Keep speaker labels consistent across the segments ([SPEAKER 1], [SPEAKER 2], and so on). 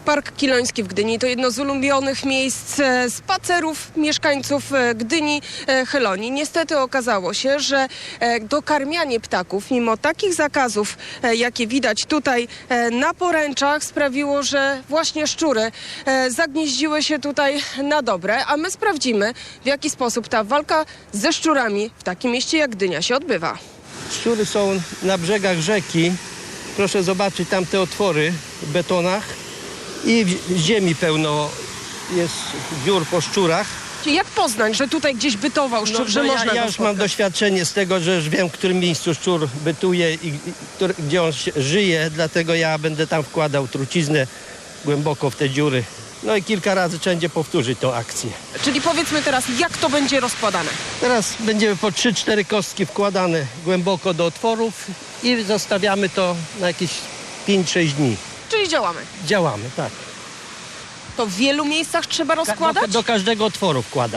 [SPEAKER 1] Park Kiloński w Gdyni to jedno z ulubionych miejsc spacerów mieszkańców Gdyni Chylonii. Niestety okazało się, że dokarmianie ptaków, mimo takich zakazów, jakie widać tutaj na poręczach, sprawiło, że właśnie szczury zagnieździły się tutaj na dobre, a my sprawdzimy, w jaki sposób ta walka ze szczurami w takim mieście jak Gdynia się odbywa.
[SPEAKER 2] Szczury są na brzegach rzeki. Proszę zobaczyć tam te otwory w betonach i w ziemi pełno jest dziur po szczurach.
[SPEAKER 1] Jak poznać, że tutaj gdzieś bytował szczur, że można
[SPEAKER 2] ja
[SPEAKER 1] go
[SPEAKER 2] już mam
[SPEAKER 1] spotkać?
[SPEAKER 2] doświadczenie z tego, że już wiem, w którym miejscu szczur bytuje i gdzie on żyje, dlatego ja będę tam wkładał truciznę głęboko w te dziury. No i kilka razy wszędzie powtórzyć tą akcję.
[SPEAKER 1] Czyli powiedzmy teraz, jak to będzie rozkładane?
[SPEAKER 2] Teraz będziemy po 3-4 kostki wkładane głęboko do otworów i zostawiamy to na jakieś 5-6 dni.
[SPEAKER 1] Czyli działamy.
[SPEAKER 2] Działamy, tak.
[SPEAKER 1] To w wielu miejscach trzeba rozkładać?
[SPEAKER 2] Do każdego otworu wkładam.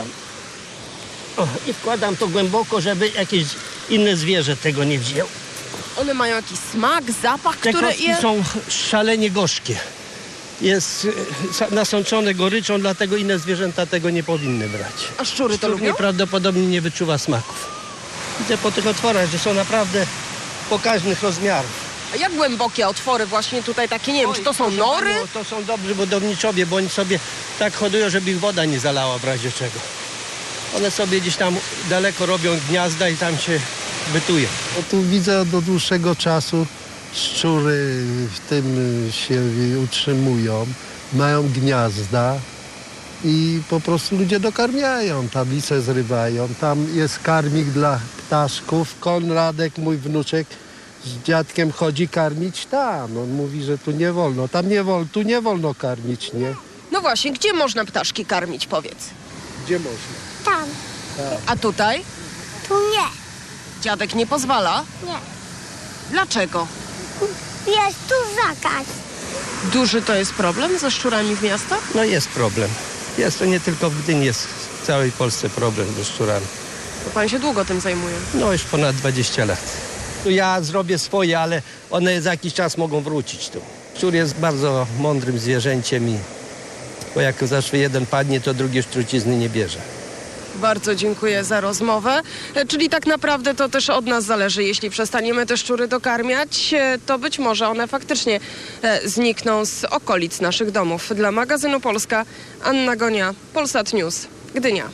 [SPEAKER 2] I wkładam to głęboko, żeby jakieś inne zwierzę tego nie wzięło.
[SPEAKER 1] One mają jakiś smak, zapach,
[SPEAKER 2] Te
[SPEAKER 1] który
[SPEAKER 2] kostki są szalenie gorzkie. Jest nasączone goryczą, dlatego inne zwierzęta tego nie powinny brać.
[SPEAKER 1] A szczury to
[SPEAKER 2] Szczur
[SPEAKER 1] lubią?
[SPEAKER 2] nieprawdopodobnie nie wyczuwa smaków. Widzę po tych otworach, że są naprawdę pokaźnych rozmiarów.
[SPEAKER 1] A jak głębokie otwory właśnie tutaj takie, nie wiem, czy to są
[SPEAKER 2] Proszę
[SPEAKER 1] nory?
[SPEAKER 2] panią, to są dobrzy budowniczowie, bo oni sobie tak hodują, żeby ich woda nie zalała w razie czego. One sobie gdzieś tam daleko robią gniazda i tam się bytują.
[SPEAKER 3] No tu widzę od dłuższego czasu szczury w tym się utrzymują, mają gniazda i po prostu ludzie dokarmiają, tablice zrywają. Tam jest karmik dla ptaszków. Konradek, mój wnuczek, z dziadkiem chodzi karmić tam. On mówi, że tu nie wolno, tam nie wolno, tu nie wolno karmić, nie?
[SPEAKER 1] No właśnie, gdzie można ptaszki karmić, powiedz?
[SPEAKER 3] Gdzie można?
[SPEAKER 4] Tam.
[SPEAKER 1] A tutaj?
[SPEAKER 4] Tu nie.
[SPEAKER 1] Dziadek nie pozwala?
[SPEAKER 4] Nie.
[SPEAKER 1] Dlaczego?
[SPEAKER 4] Jest tu zakaz.
[SPEAKER 1] Duży to jest problem ze szczurami w miastach?
[SPEAKER 2] No jest problem. Jest to nie tylko w Gdyni, jest w całej Polsce problem ze szczurami.
[SPEAKER 1] To pan się długo tym zajmuje.
[SPEAKER 2] No już ponad 20 lat. Tu ja zrobię swoje, ale one za jakiś czas mogą wrócić tu. Szczur jest bardzo mądrym zwierzęciem i bo jak zawsze jeden padnie, to drugi już trucizny nie bierze.
[SPEAKER 1] Bardzo dziękuję za rozmowę. Czyli tak naprawdę to też od nas zależy. Jeśli przestaniemy te szczury dokarmiać, to być może one faktycznie znikną z okolic naszych domów. Dla magazynu Polska, Anna Gonia, Polsat News, Gdynia.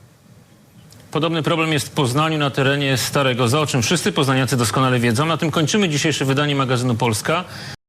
[SPEAKER 5] Podobny problem jest w Poznaniu na terenie Starego Zoo, o czym wszyscy poznaniacy doskonale wiedzą. Na tym kończymy dzisiejsze wydanie magazynu Polska.